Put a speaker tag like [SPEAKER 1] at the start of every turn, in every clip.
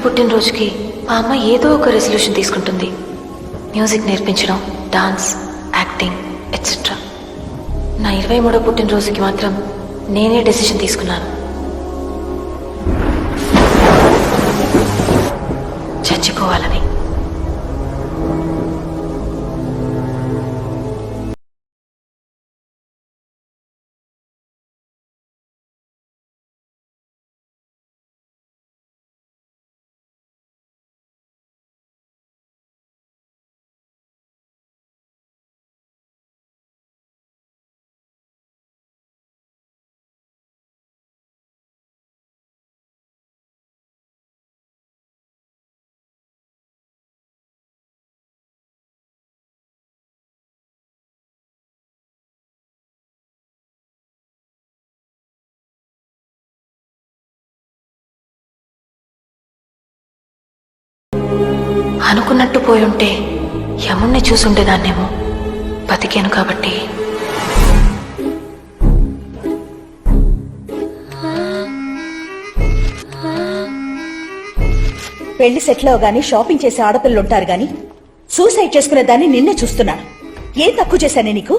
[SPEAKER 1] పుట్టినరోజుకి మా అమ్మ ఏదో ఒక రెజల్యూషన్ తీసుకుంటుంది. మ్యూజిక్ నేర్పించడం, డాన్స్, యాక్టింగ్ ఎట్సెట్రా. నా 23వ పుట్టినరోజుకి మాత్రం నేనే డెసిషన్ తీసుకున్నాను. చచ్చిపోవాలని. అనుకున్నట్టు పోయుంటే యముణ్ణి చూసుండేదాన్నేమో. బతికాను కాబట్టి.
[SPEAKER 2] పెళ్లి సెటిల్ అవగానే షాపింగ్ చేసే ఆడపిల్లలు ఉంటారు గాని సూసైడ్ చేసుకునే దాన్ని నిన్నే చూస్తున్నాను. ఏం తక్కువ చేశానే నీకు?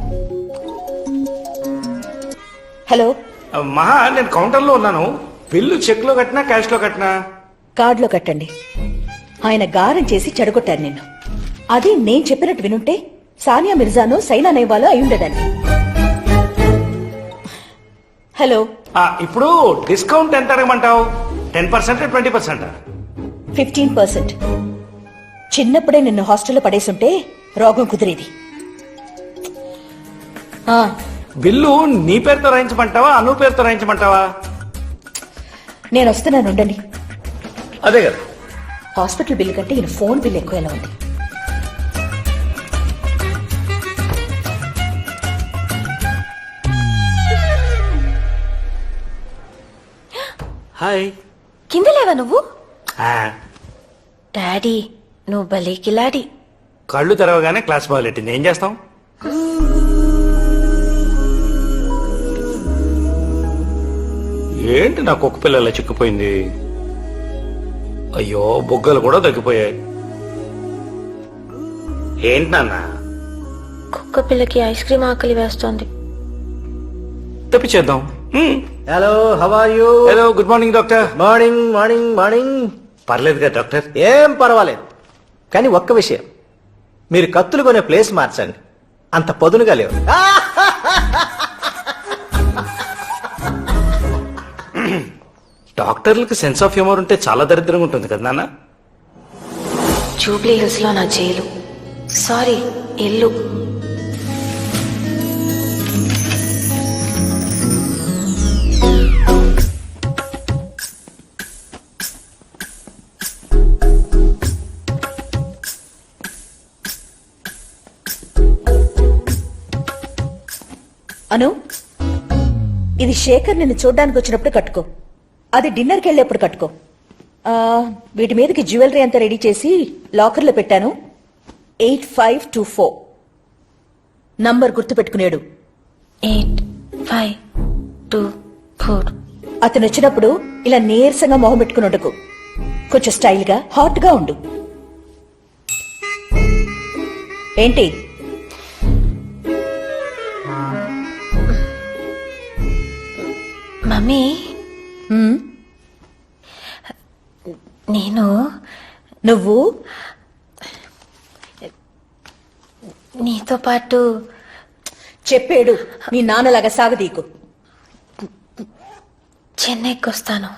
[SPEAKER 2] హలో
[SPEAKER 3] మహా, నేను కౌంటర్లో ఉన్నాను. బిల్లు చెక్ లో కట్టినా క్యాష్ లో కట్టినా?
[SPEAKER 2] కార్డులో కట్టండి. ఆయన గారం చేసి చెడగొట్టారు నిన్ను. అది నేను చెప్పినట్టు వినుంటే సానియా మిర్జానో సైనా నెహ్వాలో అయి ఉండేదాన్ని. హలో,
[SPEAKER 3] ఇప్పుడు డిస్కౌంట్ ఎంత అడగమంటావు? 10%, 20%?
[SPEAKER 2] 15%. చిన్నప్పుడే నిన్ను హాస్టల్లో పడేసుంటే రోగం కుదిరేది.
[SPEAKER 3] బిల్లు నీ పేరుతో రాయించమంటావా, అను పేరుతో రాయించమంటావా?
[SPEAKER 2] నేను వస్తున్నాను, ఉండండి.
[SPEAKER 3] అదే కదా,
[SPEAKER 2] హాస్పిటల్ బిల్లు కంటే ఈయన ఫోన్ బిల్ ఎక్కువ ఎలా ఉంది.
[SPEAKER 3] హాయ్.
[SPEAKER 1] కింద లేవా నువ్వు? డాడీ నువ్వు భలే కిలాడి.
[SPEAKER 3] కళ్ళు తెరవగానే క్లాస్ మొదలెట్టింది. ఏం చేస్తాం? ఏంటి నా కుక్క పిల్లల చిక్కిపోయింది? అయ్యో, బొగ్గలు కూడా తగ్గిపోయాయి. ఏంటి నాన్న?
[SPEAKER 1] కుక్క పిల్లకి ఐస్ క్రీమ్ ఆకలి వేస్తోంది.
[SPEAKER 3] తెప్పించేద్దాం.
[SPEAKER 4] Hello, how are you?
[SPEAKER 3] Hello, good morning doctor.
[SPEAKER 4] Morning morning morning.
[SPEAKER 3] పర్లేదు కదా డాక్టర్?
[SPEAKER 4] ఏం పర్వాలేదు, కానీ ఒక్క విషయం, మీరు కత్తులు కొనే ప్లేస్ మార్చండి. అంత పదునుగా లేవు.
[SPEAKER 3] డాక్టర్లకు సెన్స్ ఆఫ్ హ్యూమర్ ఉంటే చాలా దరిద్రంగా ఉంటుంది కదా నాన్న?
[SPEAKER 1] జూబ్లీ హిల్స్ లో నా జైలు, సారీ ఇల్లు.
[SPEAKER 2] అను, ఇది శేఖర్ నిన్ను చూడ్డానికి వచ్చినప్పుడు కట్టుకో. అది డిన్నర్కి వెళ్ళేప్పుడు కట్టుకో. వీటి మీదకి జ్యువెలరీ అంతా రెడీ చేసి లాకర్లో పెట్టాను. 8524 నంబర్ గుర్తుపెట్టుకునేడు.
[SPEAKER 1] 8524.
[SPEAKER 2] అతను వచ్చినప్పుడు ఇలా నీరసంగా మొహం పెట్టుకుని ఉండకు. కొంచెం స్టైల్ గా, హాట్ గా ఉండు. ఏంటి?
[SPEAKER 1] మమ్మీ, నువ్వు నీతో పాటు
[SPEAKER 2] చెప్పేడు. నీ నాన్నలాగా సాగదీకు.
[SPEAKER 1] చెన్నైకి వస్తాను.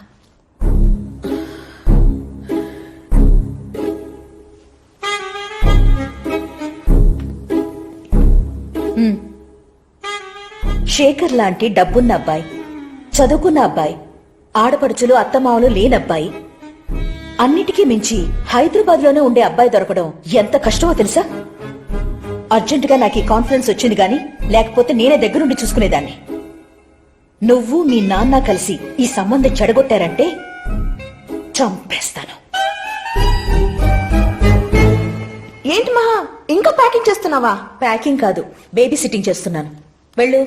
[SPEAKER 2] శేఖర్ లాంటి డబ్బున్న అబ్బాయి, చదువుకున్న అబ్బాయి, ఆడపడుచులు అత్తమావలు లేనబ్బాయి, అన్నిటికీ మించి హైదరాబాద్ లోనే ఉండే అబ్బాయి దొరకడం ఎంత కష్టమో తెలుసా? అర్జెంటుగా నాకు ఈ కాన్ఫిడెన్స్ వచ్చింది గాని లేకపోతే నేనే దగ్గరుండి చూసుకునేదాన్ని. నువ్వు మీ నాన్న కలిసి ఈ సంబంధం చెడగొట్టారంటే చంపేస్తాను.
[SPEAKER 5] ఏంటి మహా, ఇంకా ప్యాకింగ్ చేస్తున్నావా?
[SPEAKER 2] ప్యాకింగ్ కాదు, బేబీ సిట్టింగ్ చేస్తున్నాను. వెళ్ళు.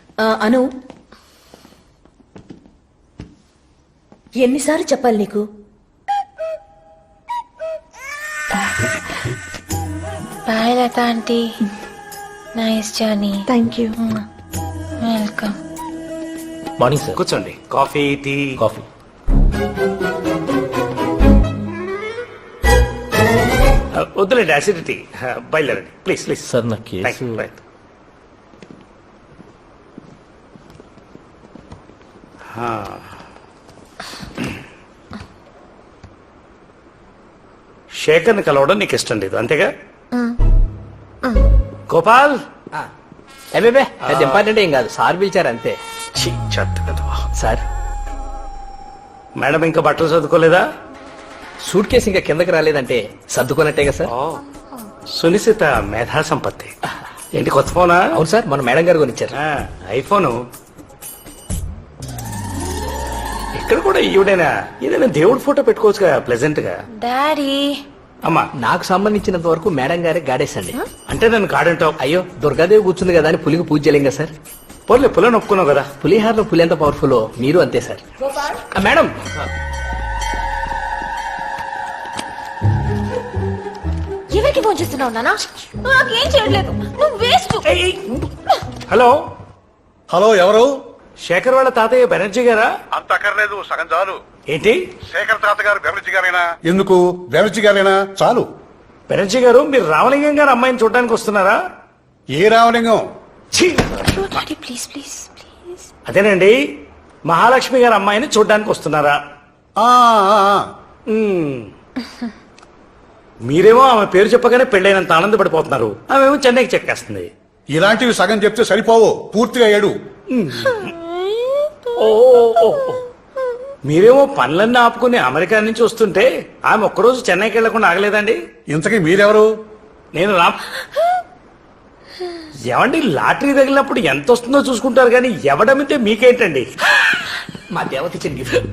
[SPEAKER 2] అను, ఎన్నిసార్లు చెప్పాలి నీకు?
[SPEAKER 1] Bye Latha aunty. Nice journey.
[SPEAKER 5] Thank you.
[SPEAKER 1] Welcome.
[SPEAKER 4] Morning sir.
[SPEAKER 3] కూర్చోండి. Coffee, tea.
[SPEAKER 4] కాఫీ.
[SPEAKER 3] వద్దులేండి, అసిడిటీ. బయలుదేరండి ప్లీజ్ ప్లీజ్.
[SPEAKER 4] సార్ నా
[SPEAKER 3] Thank
[SPEAKER 4] కేసు
[SPEAKER 3] you. Right. శేఖర్ని కలవడం నీకు ఇష్టం లేదు అంతేగా? గోపాల్.
[SPEAKER 4] అబ్బే అది ఇంపార్టెంట్ ఏం కాదు, సార్ పిలిచారు అంతే.
[SPEAKER 3] ఛీ, చెత్త వెధవ.
[SPEAKER 4] సార్
[SPEAKER 3] మేడం ఇంకా బట్టలు చదువుకోలేదా?
[SPEAKER 4] సూట్ కేసు ఇంకా కిందకి రాలేదంటే సర్దుకున్నట్టేగా సార్.
[SPEAKER 3] ఓ, సునిశ్చిత మేధా సంపత్తి. ఏంటి కొత్త ఫోనా?
[SPEAKER 4] అవును సార్, మన మేడం గారు కొనిచ్చారు.
[SPEAKER 3] ఐఫోను. ఇక్కడ కూడా ఈవిడైనా ఏదైనా దేవుడి ఫోటో పెట్టుకోవచ్చుగా ప్లెజెంట్ గా.
[SPEAKER 1] డాడీ.
[SPEAKER 3] అమ్మా,
[SPEAKER 4] నాకు సంబంధించినంత వరకు మేడం గారే గాడేసండి.
[SPEAKER 3] అంటే నన్ను కాడంటావు?
[SPEAKER 4] అయ్యో దుర్గాదేవి కూర్చుంది కదా అని పులికి పూజ చేయలేం కదా సార్.
[SPEAKER 3] పోలే పులని ఒప్పుకున్నావు కదా.
[SPEAKER 4] పులిహార్లో పులి ఎంత పవర్ఫుల్ మీరు అంతే సార్. మేడం
[SPEAKER 1] ఎవరికి ఫోన్ చేస్తున్నావు నానా? నాకేం చేయట్లేదు. నువ్వు వేస్ట్.
[SPEAKER 3] హలో,
[SPEAKER 6] హలో, ఎవరు?
[SPEAKER 3] శేఖర్ వాళ్ళ తాతయ్య బెనర్జీ గారా?
[SPEAKER 6] అంత అక్కర్లేదు, సగం చాలు.
[SPEAKER 3] ఏంటి?
[SPEAKER 6] శేఖర్ తాత గారు బెనర్జీ గారేనా? ఎందుకు బెనర్జీ గారేనా? చాలు.
[SPEAKER 3] బెనర్జీ గారు, మీరు రామలింగం గారు అమ్మాయిని చూడడానికి వస్తున్నారా?
[SPEAKER 6] ఏ రామలింగం?
[SPEAKER 3] ఛీ!
[SPEAKER 1] Daddy please please please.
[SPEAKER 3] అదేనండి, మహాలక్ష్మి గారు అమ్మాయిని చూడడానికి వస్తున్నారా?
[SPEAKER 6] ఆ, ఆ, ఆ.
[SPEAKER 3] మ్మ్. మీరేమో ఆమె పేరు చెప్పగానే పెళ్ళైనంత ఆనందపడిపోతున్నారు, ఆమెమో చెన్నైకి చెక్కేస్తుంది.
[SPEAKER 6] ఇలాంటివి సగం చెప్తే సరిపోవు, పూర్తిగా ఏడు.
[SPEAKER 3] ఓ, ఓ, ఓ. మీరేమో పనులన్నీ ఆపుకుని అమెరికా నుంచి వస్తుంటే ఆమె ఒక్కరోజు చెన్నైకి వెళ్లకుండా ఆగలేదండి.
[SPEAKER 6] ఇంతకీ మీరెవరు?
[SPEAKER 3] నేను ఏమండి, లాటరీ తగిలినప్పుడు ఎంత వస్తుందో చూసుకుంటారు కానీ ఎవడమితే మీకేంటండి?
[SPEAKER 4] మా దేవత ఇచ్చిన గిఫ్ట్.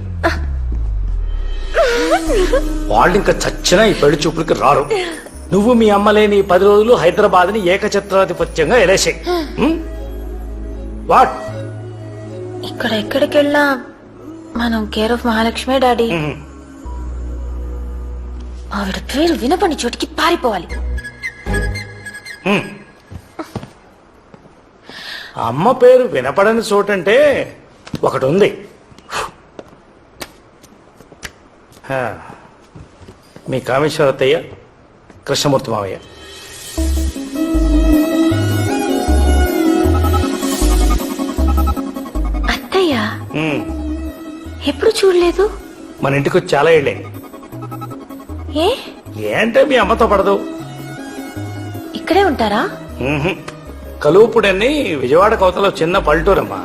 [SPEAKER 3] వాళ్ళు ఇంకా చచ్చినా ఈ పెళ్లి చూపులకి రారు. నువ్వు మీ అమ్మలేని 10 రోజులు హైదరాబాద్ ని ఏకఛత్రాధిపత్యంగా ఎలేసాయి. వాట్?
[SPEAKER 1] ఇక్కడ ఎక్కడికి వెళ్ళా మనం కేర్ ఆఫ్ మహాలక్ష్మి డాడీ. ఆవిడ పేరు వినపని చోటికి పారిపోవాలి.
[SPEAKER 3] అమ్మ పేరు వినపడని చోటంటే ఒకటి ఉంది. మీ కామేశ్వరత్తయ్య, కృష్ణమూర్తి మావయ్య.
[SPEAKER 1] అత్తయ్య
[SPEAKER 3] మ్మ్.
[SPEAKER 1] ఎప్పుడు చూడలేదు.
[SPEAKER 3] మన ఇంటికి వచ్చి చాలా ఏళ్ళైంది.
[SPEAKER 1] ఏ
[SPEAKER 3] ఏంటే మీ అమ్మతో పడదు?
[SPEAKER 1] ఇక్కడే ఉంటారా?
[SPEAKER 3] మ్మ్హ్. కలువుపుడని విజయవాడ కోతలో చిన్న పల్లెటూరమ్మా.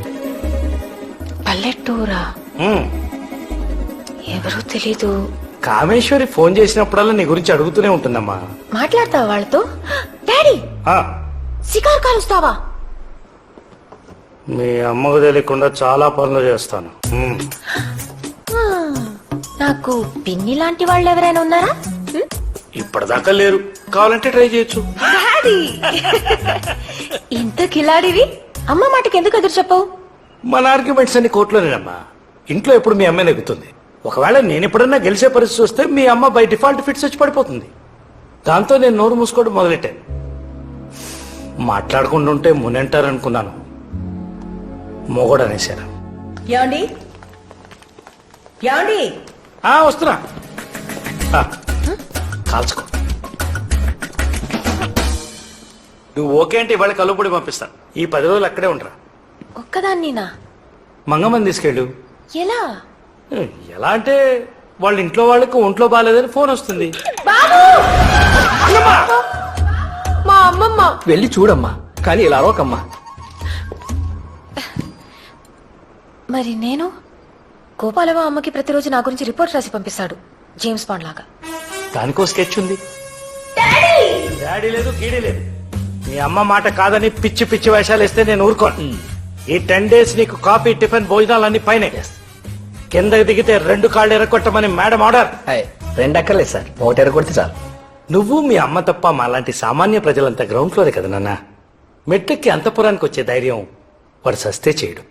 [SPEAKER 1] పల్లెటూరా?
[SPEAKER 3] మ్మ్.
[SPEAKER 1] ఎవరూ తెలీదు.
[SPEAKER 3] కామేశ్వరి ఫోన్ చేసినప్పుడల్లా నీ గురించి అడుగుతూనే ఉంటుందమ్మా.
[SPEAKER 1] మాట్లాడతావా వాళ్ళతో? డాడీ
[SPEAKER 3] ఆ,
[SPEAKER 1] సికార్ కాలుస్తావా?
[SPEAKER 3] మీ అమ్మకు తెలియకుండా చాలా పనులు చేస్తాను. మ్మ్.
[SPEAKER 1] నాకు పిన్ని లాంటి వాళ్ళు ఎవరైనా ఉన్నారా?
[SPEAKER 3] ఇప్పటిదాకా లేరు, కావాలంటే ట్రై చేయొచ్చు.
[SPEAKER 1] ఇంత కిలాడివి అమ్మ మాటకి ఎందుకు ఎదురు చెప్పవు?
[SPEAKER 3] మన ఆర్గ్యుమెంట్స్ అన్ని కోర్టులోనేనమ్మా. ఇంట్లో ఎప్పుడు మీ అమ్మాయి నెగ్గుతుంది. ఒకవేళ నేను ఎప్పుడన్నా గెలిచే పరిస్థితి వస్తే మీ అమ్మ బై డిఫాల్ట్ ఫిట్స్ వచ్చి పడిపోతుంది. దాంతో నేను నోరు మూసుకోవడం మొదలెట్టాను. మాట్లాడుకుంటుంటే మునంటారనుకున్నాను, మొగోడు అనేశారు.
[SPEAKER 2] ఏమండి ఏమండి
[SPEAKER 3] వస్తున్నా. కాల్చుకో. నువ్వు ఓకే అంటే ఇవాళ కలుపుడి పంపిస్తాను. ఈ 10 రోజులు అక్కడే ఉండరా.
[SPEAKER 1] ఒక్కదాన్నినా?
[SPEAKER 3] మంగమ్మని తీసుకెళ్ళు.
[SPEAKER 1] ఎలా?
[SPEAKER 3] ఎలా అంటే వాళ్ళ ఇంట్లో వాళ్ళకి ఒంట్లో బాగాలేదని ఫోన్ వస్తుంది.
[SPEAKER 5] మా అమ్మమ్మ.
[SPEAKER 4] వెళ్ళి చూడమ్మా, కానీ ఇలా అరవకమ్మా.
[SPEAKER 1] మరి నేను? గోపాలవ అమ్మకి ప్రతిరోజు నా గురించి రిపోర్ట్ రాసి పంపిస్తాడు, జేమ్స్ బాండ్ లాగా.
[SPEAKER 3] దానికో స్కెచ్ ఉంది. డాడీ లేదు, గీడీ లేదు. మీ అమ్మ మాట కాదని పిచ్చి పిచ్చి వేషాలు వేస్తే నేను ఊరుకోను. ఈ 10 days నీకు కాఫీ, టిఫిన్, భోజనాలు అన్ని పైన. కిందకి దిగితే 2 కాళ్ళు ఎరగొట్టమని మేడం ఆర్డర్.
[SPEAKER 4] 2 అక్కర్లేదు సార్, 1 ఎరగొడితే చాలు.
[SPEAKER 3] నువ్వు మీ అమ్మ తప్ప మాలాంటి సామాన్య ప్రజలంతా గ్రౌండ్ ఫ్లోరే కదా నాన్న. మెట్లెక్కి అంతపురానికి వచ్చే ధైర్యం వాడు సస్తే చేయడు.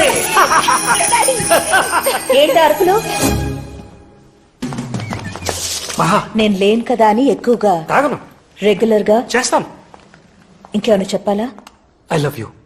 [SPEAKER 2] ఏంటి అరుపులు?
[SPEAKER 3] మహా
[SPEAKER 2] నేను లేను కదా అని ఎక్కువగా
[SPEAKER 3] తాగను
[SPEAKER 2] రెగ్యులర్ గా
[SPEAKER 3] చేస్తాను
[SPEAKER 2] ఇంకేమైనా చెప్పాలా
[SPEAKER 3] ఐ లవ్ యూ